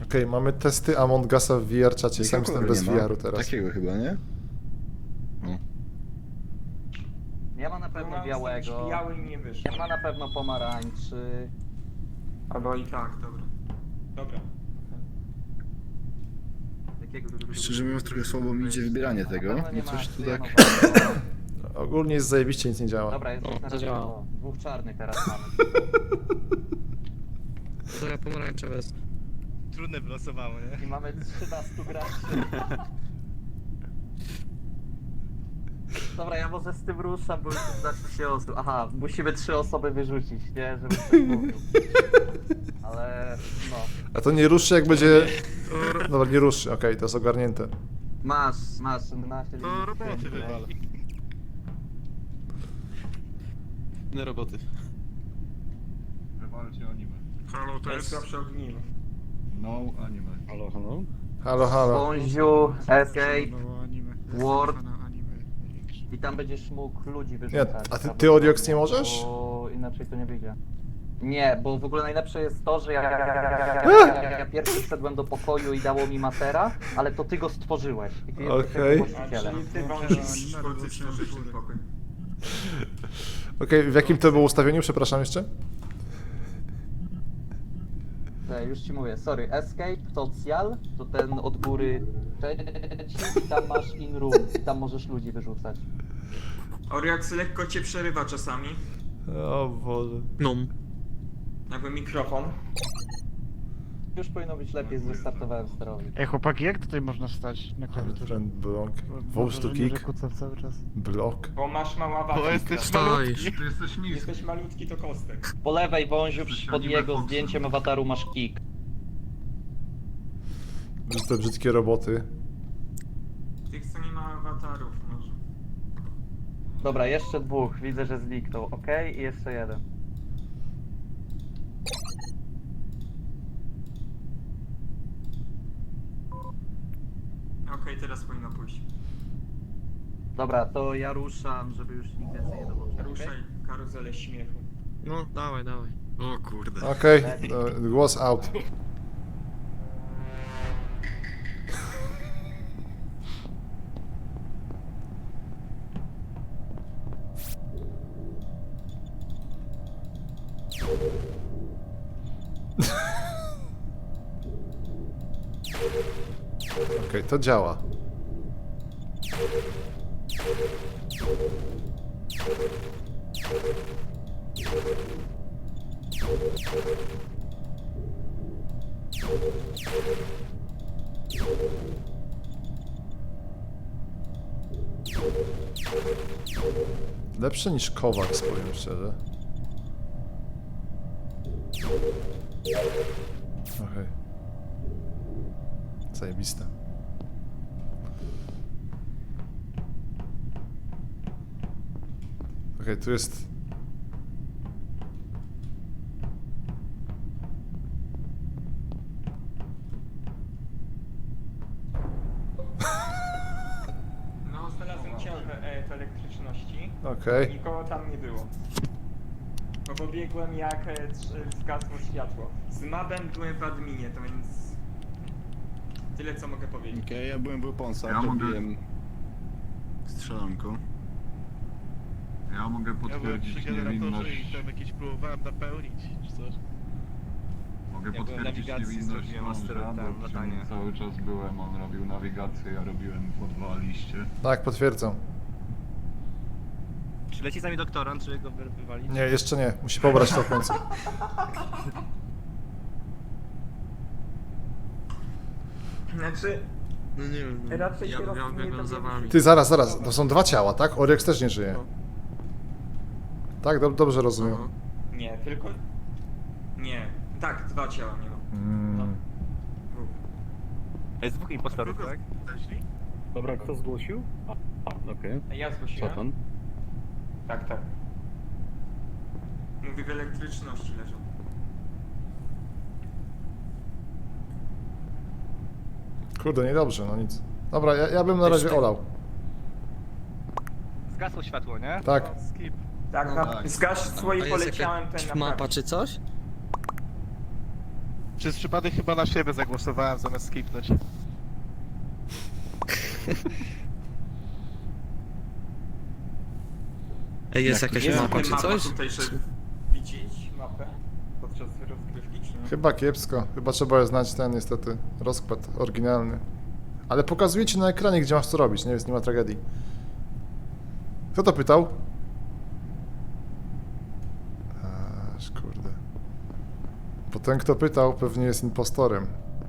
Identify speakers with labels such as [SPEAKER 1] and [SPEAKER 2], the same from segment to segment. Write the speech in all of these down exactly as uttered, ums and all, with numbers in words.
[SPEAKER 1] Okej, mamy testy Among Usa w V R czacie, sam
[SPEAKER 2] Jakiego
[SPEAKER 1] jestem bez
[SPEAKER 2] nie ma?
[SPEAKER 1] V R-u teraz.
[SPEAKER 2] Takiego chyba, nie? No.
[SPEAKER 3] Nie ma na pewno
[SPEAKER 4] Mam
[SPEAKER 3] białego.
[SPEAKER 4] biały i nie wyszło.
[SPEAKER 3] Nie ma na pewno pomarańczy.
[SPEAKER 4] Albo i tak, dobra. Dobra.
[SPEAKER 3] Takiego...
[SPEAKER 2] Szczerze mówiąc, trochę słabo mi idzie wybieranie tego.
[SPEAKER 3] Na pewno nie
[SPEAKER 2] No
[SPEAKER 3] ma
[SPEAKER 2] coś tu tak...
[SPEAKER 3] cyjanowego.
[SPEAKER 1] Ogólnie jest zajebiście, nic nie działa.
[SPEAKER 3] Dobra, jest
[SPEAKER 5] O,
[SPEAKER 3] już na
[SPEAKER 5] to
[SPEAKER 3] razie
[SPEAKER 5] działa.
[SPEAKER 3] o, dwóch czarnych teraz mamy.
[SPEAKER 5] To ja pomarańczowe jest.
[SPEAKER 6] Trudne wylosowało, nie?
[SPEAKER 3] I mamy trzynastu graczy. Dobra, ja może z tym ruszam, bo już znaczy się osób. Aha, musimy trzy osoby wyrzucić, nie? Żeby ktoś mówił. Ale no.
[SPEAKER 1] A to nie ruszy jak będzie... Dobra, nie ruszy, okej, to jest ogarnięte.
[SPEAKER 3] Masz, masz na się.
[SPEAKER 6] To roboty wywal.
[SPEAKER 5] Inne roboty.
[SPEAKER 7] Walcie anime.
[SPEAKER 4] Halo, to jest słabsze ogniwo.
[SPEAKER 7] No anime.
[SPEAKER 2] Halo, halo?
[SPEAKER 1] Halo, halo.
[SPEAKER 3] Bonziu, escape,
[SPEAKER 7] No anime.
[SPEAKER 3] Word.
[SPEAKER 7] anime.
[SPEAKER 3] i tam będziesz mógł ludzi
[SPEAKER 1] Nie,
[SPEAKER 3] wyrzucać.
[SPEAKER 1] a ty,
[SPEAKER 3] prawdopodobnie,
[SPEAKER 1] ty Oriox nie możesz?
[SPEAKER 3] Bo inaczej to nie wyjdzie. Nie, bo w ogóle najlepsze jest to, że ja, ja, ja, ja pierwszy wszedłem do pokoju i dało mi matera, ale to ty go stworzyłeś. I ty jesteś
[SPEAKER 1] Okej.
[SPEAKER 3] jego
[SPEAKER 4] A
[SPEAKER 3] właścicielem.
[SPEAKER 4] czyli ty wążysz stworzyć ten pokój.
[SPEAKER 1] Okej, w jakim to było ustawieniu, przepraszam jeszcze?
[SPEAKER 3] Te, już ci mówię, sorry, escape, social, to ten od góry trzeci i tam masz in room i tam możesz ludzi wyrzucać.
[SPEAKER 4] Oriax lekko cię przerywa czasami.
[SPEAKER 1] O Boże.
[SPEAKER 5] No.
[SPEAKER 4] Jakby mikrofon.
[SPEAKER 3] Już powinno być lepiej, zrestartowałem sterownik.
[SPEAKER 8] Ej chłopaki, jak tutaj można stać na klawiaturze?
[SPEAKER 1] Friend block.
[SPEAKER 8] Bo
[SPEAKER 1] Voice to
[SPEAKER 8] wrażenie, że
[SPEAKER 1] kick.
[SPEAKER 8] kucam cały czas.
[SPEAKER 1] Block.
[SPEAKER 4] Bo masz mała wada.
[SPEAKER 6] Bo jesteś
[SPEAKER 5] Stoisz.
[SPEAKER 7] Ty jesteś niski.
[SPEAKER 4] Jesteś malutki, to kostek.
[SPEAKER 3] Po lewej wąziu pod
[SPEAKER 7] Anime
[SPEAKER 3] jego
[SPEAKER 7] Foxy.
[SPEAKER 3] zdjęciem awataru masz kick.
[SPEAKER 1] Że te brzydkie roboty.
[SPEAKER 4] Tych, co nie ma awatarów może.
[SPEAKER 3] Dobra, jeszcze dwóch, widzę, że zniknął, okej? I jeszcze jeden.
[SPEAKER 4] Okej, teraz powinno pójść.
[SPEAKER 3] Dobra, to ja ruszam, żeby już nikt więcej nie dołączył. okej?
[SPEAKER 4] Ruszaj karuzelę śmiechu.
[SPEAKER 5] No, dawaj, dawaj.
[SPEAKER 2] O kurde.
[SPEAKER 1] Okej, okay, głos out. Okej, okay, to działa. Lepsze niż Kovacs, powiem szczerze. Okej. Zajebiste. Okej, tu jest...
[SPEAKER 4] No, znalazłem ciąg e, w elektryczności.
[SPEAKER 1] Okej.
[SPEAKER 4] Nikogo tam nie było. Bo pobiegłem jak e, trz- zgasło światło. Z mabem byłem w adminie, to więc... Tyle co mogę powiedzieć.
[SPEAKER 2] Okej, ja byłem w Weaponsach,
[SPEAKER 7] Ja mogę-
[SPEAKER 2] robiłem strzelanko.
[SPEAKER 7] Ja mogę
[SPEAKER 6] Ja byłem
[SPEAKER 7] potwierdzić
[SPEAKER 6] przy generatorze i
[SPEAKER 7] niewinność.
[SPEAKER 6] tam jakieś próbowałem napełnić, czy coś.
[SPEAKER 7] Mogę
[SPEAKER 6] Ja byłem
[SPEAKER 7] potwierdzić
[SPEAKER 6] nawigacji,
[SPEAKER 7] niewinność
[SPEAKER 6] zrobiłem
[SPEAKER 7] mąża,
[SPEAKER 6] asteroid, tam,
[SPEAKER 7] bo przy
[SPEAKER 6] latanie.
[SPEAKER 7] nim cały czas byłem, on robił nawigację, ja robiłem po dwa liście.
[SPEAKER 1] Tak, potwierdzam.
[SPEAKER 6] Czy leci z nami doktorant, czy go wy- wywalić?
[SPEAKER 1] Nie, jeszcze nie. Musi pobrać to w końcu.
[SPEAKER 4] Znaczy,
[SPEAKER 5] No nie wiem. No.
[SPEAKER 4] raczej
[SPEAKER 5] Ja,
[SPEAKER 4] się
[SPEAKER 5] ja
[SPEAKER 4] rozumie,
[SPEAKER 5] biegłem
[SPEAKER 4] to
[SPEAKER 5] za
[SPEAKER 4] nie
[SPEAKER 5] wami.
[SPEAKER 1] Ty, zaraz, zaraz. To są dwa ciała, tak? Oriox też nie żyje.
[SPEAKER 5] No.
[SPEAKER 1] Tak? Dob- dobrze rozumiem.
[SPEAKER 5] Aha.
[SPEAKER 4] nie, tylko... Nie. Tak, dwa ciała nie ma.
[SPEAKER 1] Mm.
[SPEAKER 6] Jest dwóch impostorów, tak?
[SPEAKER 2] Dobra, kto zgłosił? A, okej.
[SPEAKER 4] A ja
[SPEAKER 2] Co
[SPEAKER 4] zgłosiłem?
[SPEAKER 2] tam?
[SPEAKER 4] Tak, tak. Mówi w elektryczności leżą.
[SPEAKER 1] Kurde, niedobrze, no nic. Dobra, ja, ja bym na razie olał.
[SPEAKER 6] Zgasło światło, nie?
[SPEAKER 1] Tak.
[SPEAKER 6] Skip.
[SPEAKER 4] Tak,
[SPEAKER 2] No
[SPEAKER 4] na,
[SPEAKER 2] tak.
[SPEAKER 4] zgasło
[SPEAKER 5] A
[SPEAKER 4] i
[SPEAKER 5] jest
[SPEAKER 4] poleciałem
[SPEAKER 5] jakaś
[SPEAKER 4] ten
[SPEAKER 5] mapa
[SPEAKER 4] naprawić.
[SPEAKER 5] czy coś?
[SPEAKER 6] Przez przypadek chyba na siebie zagłosowałem zamiast skipnąć.
[SPEAKER 5] Ej, jest jakaś
[SPEAKER 4] Jest
[SPEAKER 5] mapa czy
[SPEAKER 4] mapa
[SPEAKER 5] coś?
[SPEAKER 4] tutaj, żeby widzieć mapę podczas rozgrywki, czy nie?
[SPEAKER 1] Chyba kiepsko. Chyba trzeba znać ten niestety rozkład oryginalny. Ale pokazuje ci na ekranie, gdzie masz co robić, nie? Więc nie ma tragedii. Kto to pytał? Aż kurde. Bo ten, kto pytał, pewnie jest impostorem.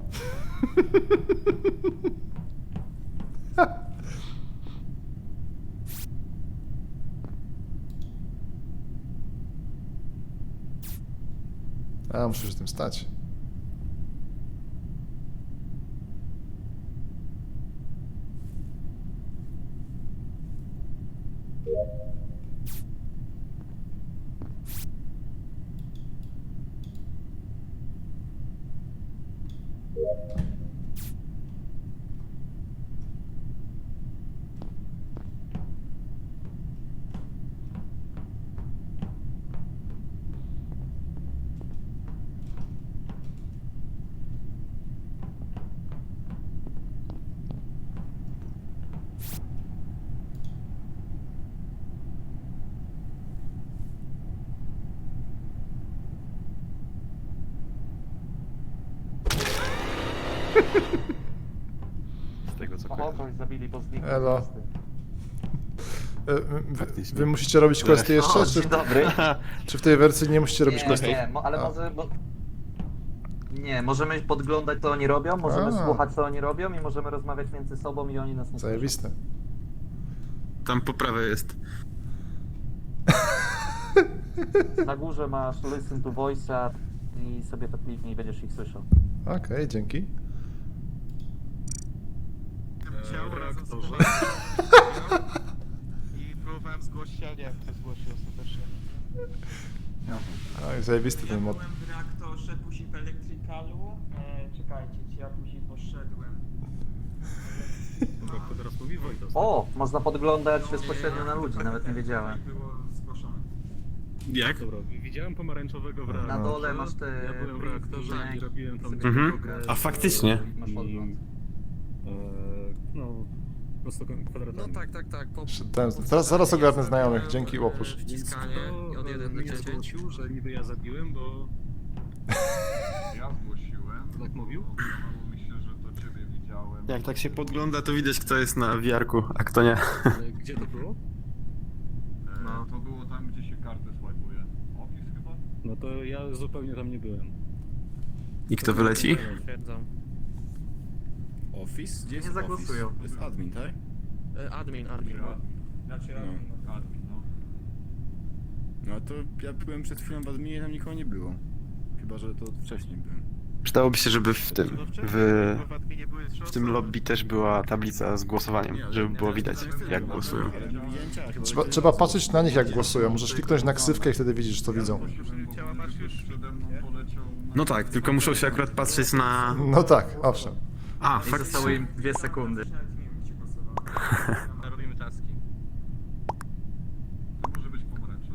[SPEAKER 1] A, muszę się tym stać.
[SPEAKER 9] Z tego co
[SPEAKER 3] O,
[SPEAKER 9] kojarzę.
[SPEAKER 3] kogoś zabili, bo zniknął.
[SPEAKER 1] Elo.
[SPEAKER 3] z listy.
[SPEAKER 1] E, wy,
[SPEAKER 9] Faktycznie.
[SPEAKER 1] wy musicie robić questy jeszcze,
[SPEAKER 3] O,
[SPEAKER 1] czy,
[SPEAKER 3] dzień dobry.
[SPEAKER 1] czy w tej wersji nie musicie robić
[SPEAKER 3] Nie,
[SPEAKER 1] questów?
[SPEAKER 3] nie, mo, ale
[SPEAKER 1] A.
[SPEAKER 3] może... Bo... Nie, możemy podglądać co oni robią, możemy
[SPEAKER 1] A.
[SPEAKER 3] słuchać co oni robią i możemy rozmawiać między sobą i oni nas nie słyszą.
[SPEAKER 1] Zajebiste.
[SPEAKER 5] Tam po prawej jest.
[SPEAKER 3] Na górze masz listen to voice'a i sobie to kliknij i będziesz ich słyszał.
[SPEAKER 1] Okej, dzięki.
[SPEAKER 6] Ciało razem z I próbowałem zgłosić, ale nie wiem, kto zgłosił ostatecznie.
[SPEAKER 1] Oj, zajebisty
[SPEAKER 4] Ja
[SPEAKER 1] ten mod.
[SPEAKER 4] byłem w reaktorze, później w elektrykalu. E, czekajcie, czy ja później poszedłem.
[SPEAKER 2] Dobra, kto teraz mówi? Wojtas.
[SPEAKER 3] O, można podglądać bezpośrednio na ludzi, nawet nie wiedziałem.
[SPEAKER 4] Było zgłoszone.
[SPEAKER 5] Jak?
[SPEAKER 2] Dobra, widziałem pomarańczowego w reaktorze.
[SPEAKER 3] Na dole masz te...
[SPEAKER 2] Ja byłem w reaktorze i robiłem tam
[SPEAKER 3] sobie
[SPEAKER 5] Mhm.
[SPEAKER 2] drogę
[SPEAKER 5] A faktycznie?
[SPEAKER 2] i,
[SPEAKER 3] Masz podgląd.
[SPEAKER 2] e, no, prosto kwadratami.
[SPEAKER 5] No tak, tak, tak. Po,
[SPEAKER 1] Ten, teraz zaraz ogarnę znajomych, dzięki
[SPEAKER 5] e,
[SPEAKER 1] łopusz.
[SPEAKER 5] Wciskanie i od
[SPEAKER 2] Kto
[SPEAKER 5] jeden do
[SPEAKER 2] mnie
[SPEAKER 5] dziesięć.
[SPEAKER 2] zgłosił, że niby ja zabiłem, bo
[SPEAKER 7] Ja zgłosiłem.
[SPEAKER 2] tak mówił?
[SPEAKER 7] Wydawało mi się, że to ciebie widziałem.
[SPEAKER 5] Jak tak się podgląda, to widać kto jest na wiarku, a kto nie.
[SPEAKER 2] Ale gdzie to było?
[SPEAKER 7] E,
[SPEAKER 3] No.
[SPEAKER 7] To było tam, gdzie się kartę swajpuje. Office chyba?
[SPEAKER 2] No to ja zupełnie tam nie byłem.
[SPEAKER 5] I kto wyleci?
[SPEAKER 9] Potwierdzam.
[SPEAKER 10] Office? Gdzie
[SPEAKER 3] Nie
[SPEAKER 10] jest
[SPEAKER 3] zagłosują.
[SPEAKER 10] Office? To jest admin, tak?
[SPEAKER 5] E, Admin, admin.
[SPEAKER 4] Znaczy,
[SPEAKER 10] No.
[SPEAKER 7] Admin, no.
[SPEAKER 10] No to ja byłem przed chwilą w adminie i tam nikogo nie było. Chyba, że to wcześniej byłem.
[SPEAKER 5] Przydałoby się, żeby w tym, w,
[SPEAKER 6] Bo w adminie były trzy
[SPEAKER 5] w tym
[SPEAKER 6] osoby.
[SPEAKER 5] lobby też była tablica z głosowaniem, żeby było widać jak głosują.
[SPEAKER 10] Ale nie widziałem ciała, chyba,
[SPEAKER 1] Trzeba,
[SPEAKER 10] że-
[SPEAKER 1] trzeba patrzeć na nich, jak głosują. Możesz kliknąć na ksywkę i wtedy widzisz, co widzą.
[SPEAKER 6] Ciała masz już,
[SPEAKER 7] Przede mną
[SPEAKER 6] nie?
[SPEAKER 7] poleciał...
[SPEAKER 5] No tak, tylko muszą się akurat patrzeć na...
[SPEAKER 1] No tak, owszem.
[SPEAKER 5] A,
[SPEAKER 3] I zostały
[SPEAKER 5] faktycznie.
[SPEAKER 3] im dwie sekundy.
[SPEAKER 4] Nawet nie wiem, gdzie głosował.
[SPEAKER 6] Robimy taski.
[SPEAKER 7] To może być pomarańczowy.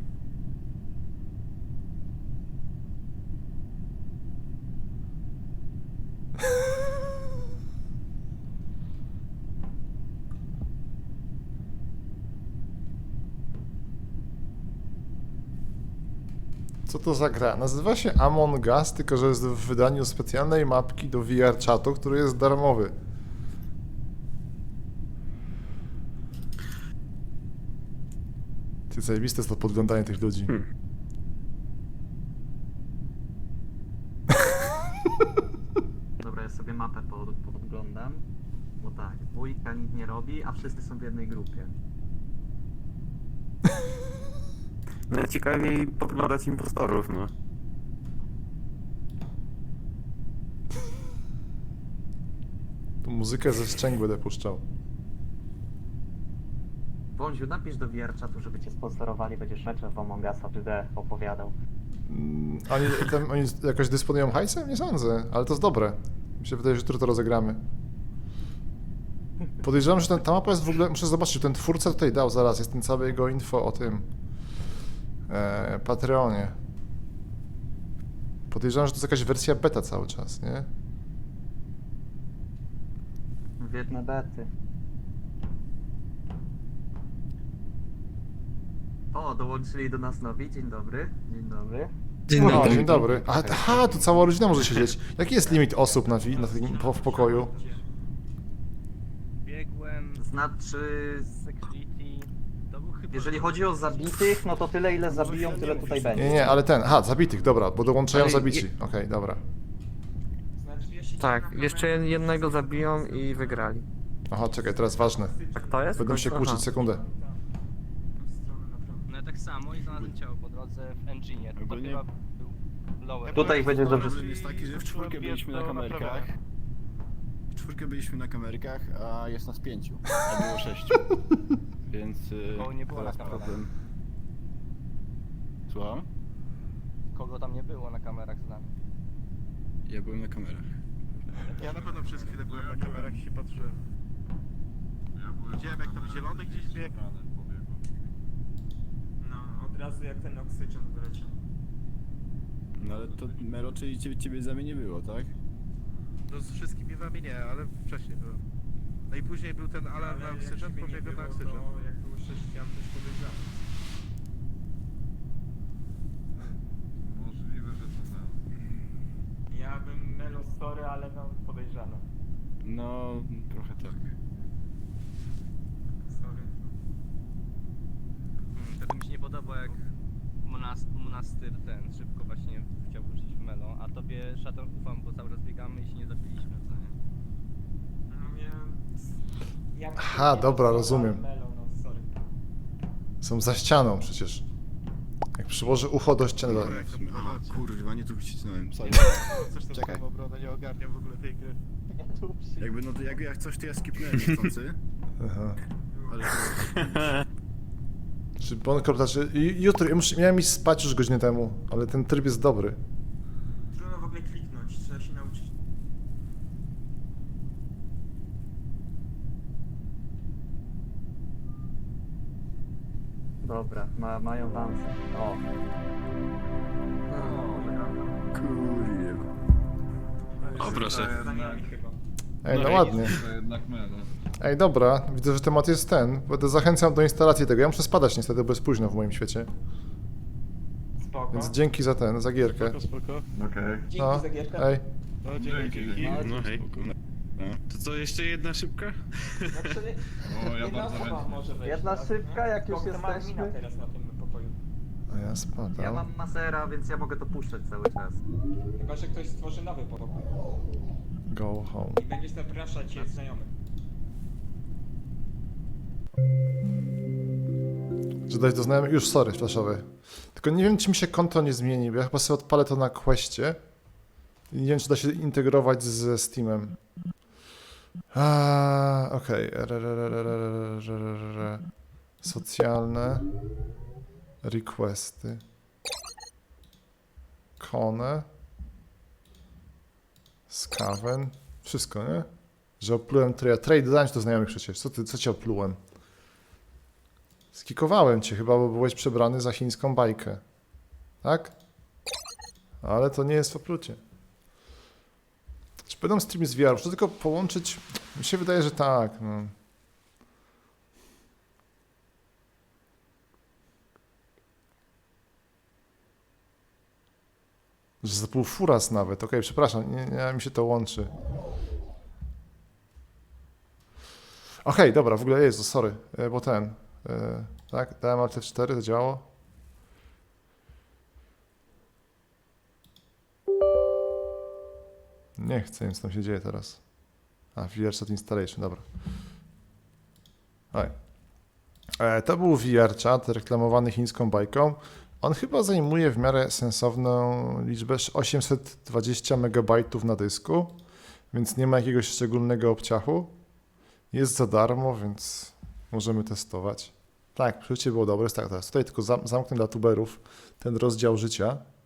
[SPEAKER 1] Co to za gra? Nazywa się Among Us, tylko że jest w wydaniu specjalnej mapki do V R czatu, który jest darmowy. Ty, zajebiste jest to podglądanie tych ludzi.
[SPEAKER 5] Hmm.
[SPEAKER 3] Dobra, ja sobie mapę pod, podglądam. Bo tak, dwójka nic nie robi, a wszyscy są w jednej grupie.
[SPEAKER 5] No ciekawiej podglądać impostorów, no.
[SPEAKER 1] Tu muzykę ze szczęk będę puszczał.
[SPEAKER 3] Bądź, napisz do V R czatu, żeby cię sponsorowali, będziesz meczem w Among Usa trzy D opowiadał.
[SPEAKER 1] Mm, Oni, tam, oni jakoś dysponują hajsem? Nie sądzę, ale to jest dobre. Mi się wydaje, że jutro to rozegramy. Podejrzewam, że ten, ta mapa jest w ogóle... Muszę zobaczyć, czy ten twórca tutaj dał zaraz. Jest ten cały jego info o tym... E, Patreonie. Podejrzewam, że to jest jakaś wersja beta cały czas, nie?
[SPEAKER 3] Biedne bety. O, dołączyli do nas nowi. Dzień dobry. Dzień dobry.
[SPEAKER 8] Dzień
[SPEAKER 1] No,
[SPEAKER 8] dobry.
[SPEAKER 1] dzień dobry. A, aha, tu cała rodzina może siedzieć. Jaki jest limit osób na, wi- na tym, po, w pokoju?
[SPEAKER 6] Biegłem
[SPEAKER 3] Znaczy,
[SPEAKER 6] z security. To był chyba...
[SPEAKER 3] jeżeli chodzi o zabitych, no to tyle ile zabiją, tyle tutaj będzie.
[SPEAKER 1] Nie, nie, ale ten, aha, zabitych, dobra, bo dołączają
[SPEAKER 8] Ale
[SPEAKER 1] zabici.
[SPEAKER 8] je-
[SPEAKER 1] Okej, dobra.
[SPEAKER 4] Znaczy, jeśli
[SPEAKER 8] Tak,
[SPEAKER 4] na
[SPEAKER 8] jeszcze
[SPEAKER 4] kamerę-
[SPEAKER 8] jednego zabiją i wygrali.
[SPEAKER 1] Aha, czekaj, teraz ważne.
[SPEAKER 8] Tak to jest?
[SPEAKER 1] Będą się
[SPEAKER 8] Aha.
[SPEAKER 1] kłócić, sekundę.
[SPEAKER 4] Stronę naprawdę.
[SPEAKER 6] No ja tak samo i znalazłem ciało po drodze w engine. To
[SPEAKER 10] Ogólnie-
[SPEAKER 6] dopiero był lower.
[SPEAKER 3] Tutaj będzie dobrze.
[SPEAKER 10] Problem jest taki, że w czwórkę byliśmy na kamerkach. W czwórkę byliśmy na kamerkach, a jest nas pięciu, a było sześciu. Więc y,
[SPEAKER 6] Koło nie było
[SPEAKER 10] teraz
[SPEAKER 6] na kamerach.
[SPEAKER 10] problem. Słucham?
[SPEAKER 6] Kogo tam nie było na kamerach z nami.
[SPEAKER 10] Ja byłem na kamerach.
[SPEAKER 6] Ja na pewno przez chwilę byłem na kamerach i się patrzyłem. Widziałem jak tam zielony gdzieś biegł.
[SPEAKER 4] No, od razu jak ten oksygeń wyleciał.
[SPEAKER 10] No ale to Melo, czyli ciebie, ciebie za mnie nie było, tak?
[SPEAKER 6] No z wszystkimi wami nie, ale wcześniej byłem. No i później był ten alarm na
[SPEAKER 4] Ale jak
[SPEAKER 6] oksygeń,
[SPEAKER 4] ciebie nie
[SPEAKER 6] pobiegłem na
[SPEAKER 4] było,
[SPEAKER 6] oksygeń.
[SPEAKER 4] to jak było sześć, ja też podejrzewam.
[SPEAKER 7] Możliwe, że to tak.
[SPEAKER 4] Ja bym Melo sorry, ale no podejrzany.
[SPEAKER 10] No, trochę tak.
[SPEAKER 4] Sorry.
[SPEAKER 6] Hmm, wtedy mi się nie podoba jak monas- monastyr ten szybko właśnie chciał wrócić w Melo, a tobie Shadow ufam, bo cały czas biegamy i się nie zabiliśmy, co nie?
[SPEAKER 4] No więc... Jak
[SPEAKER 1] Aha,
[SPEAKER 4] nie
[SPEAKER 1] dobra,
[SPEAKER 4] sorry,
[SPEAKER 1] rozumiem.
[SPEAKER 4] ale Melo, no sorry.
[SPEAKER 1] Są za ścianą przecież. Jak przyłoży ucho do ściany. to-
[SPEAKER 10] Aha, kurwa, nie tu wycisnąłem, sorry.
[SPEAKER 6] Coś tam
[SPEAKER 10] Czekaj.
[SPEAKER 6] swoją obronę nie ogarniam w ogóle tej gry.
[SPEAKER 10] Jakby, no to jak, jak coś, to ja skipnąłem niechcący,
[SPEAKER 1] Aha.
[SPEAKER 10] ale...
[SPEAKER 1] Czy bon znaczy, jutro, ja muszę, miałem iść spać już godzinę temu, ale ten tryb jest dobry.
[SPEAKER 4] Trudno w ogóle kliknąć, trzeba się nauczyć.
[SPEAKER 3] Dobra, ma, mają szansę. O.
[SPEAKER 10] Kurwa.
[SPEAKER 5] O, proszę.
[SPEAKER 4] Za nami chyba.
[SPEAKER 1] Ej, no
[SPEAKER 5] No i-
[SPEAKER 1] ładnie.
[SPEAKER 7] To jednak Melo.
[SPEAKER 1] Ej, dobra, widzę, że temat jest ten. Będę zachęcam do instalacji tego. Ja muszę spadać niestety, bo jest późno w moim świecie.
[SPEAKER 4] Spoko.
[SPEAKER 1] Więc dzięki za ten, za gierkę.
[SPEAKER 6] Spoko, spoko.
[SPEAKER 7] Okej.
[SPEAKER 4] Dzięki
[SPEAKER 1] No,
[SPEAKER 4] za gierkę.
[SPEAKER 1] ej.
[SPEAKER 6] No
[SPEAKER 7] Dzięki.
[SPEAKER 6] dzięki.
[SPEAKER 5] No hej. To co, jeszcze jedna szybka?
[SPEAKER 4] Znaczy,
[SPEAKER 7] O, ja
[SPEAKER 4] jedna
[SPEAKER 7] bardzo
[SPEAKER 4] osoba
[SPEAKER 7] chętnie.
[SPEAKER 4] może wejść
[SPEAKER 3] Jedna
[SPEAKER 4] teraz,
[SPEAKER 3] szybka,
[SPEAKER 4] nie?
[SPEAKER 3] jak już
[SPEAKER 4] Doktor ma
[SPEAKER 3] jesteśmy.
[SPEAKER 4] admina teraz na tym pokoju.
[SPEAKER 1] A ja spadam.
[SPEAKER 3] Ja mam masera, więc ja mogę to puszczać cały czas.
[SPEAKER 4] Chyba, że ktoś stworzy nowy pokój.
[SPEAKER 1] Go home.
[SPEAKER 4] I będzie zapraszać je znajomych.
[SPEAKER 1] Że dać do znajomych. Już, sorry, flashowy. Tylko nie wiem, czy mi się konto nie zmieni, bo ja chyba sobie odpalę to na Questie. I nie wiem, czy da się integrować ze Steamem. A, okej. R- r- r- r- r- r- r- r- Socjalne. Requesty. Kone. Skaven. Wszystko, nie? Że oplułem trade. Trade dodałem ci do znajomych przecież. Co ty, co ci oplułem? Skikowałem cię chyba, bo byłeś przebrany za chińską bajkę. Tak? Ale to nie jest w oplucie. Czy będą streamy z V R? Muszę tylko połączyć... Mi się wydaje, że tak. No. Że za pół furas nawet. Okej, przepraszam, nie, nie, mi się to łączy. Okej, dobra, w ogóle jest, sorry, e, bo ten... e, Tak, dałem Alt F cztery, to działało. Nie chcę, nic tam się dzieje teraz. A, V R Chat Installation, dobra. Oj. E, to był V R Chat reklamowany chińską bajką. On chyba zajmuje w miarę sensowną liczbę osiemset dwadzieścia megabajtów na dysku, więc nie ma jakiegoś szczególnego obciachu. Jest za darmo, więc możemy testować. Tak, przeżycie było dobre, jest tak teraz. Tutaj tylko zam zamknę dla tuberów ten rozdział życia.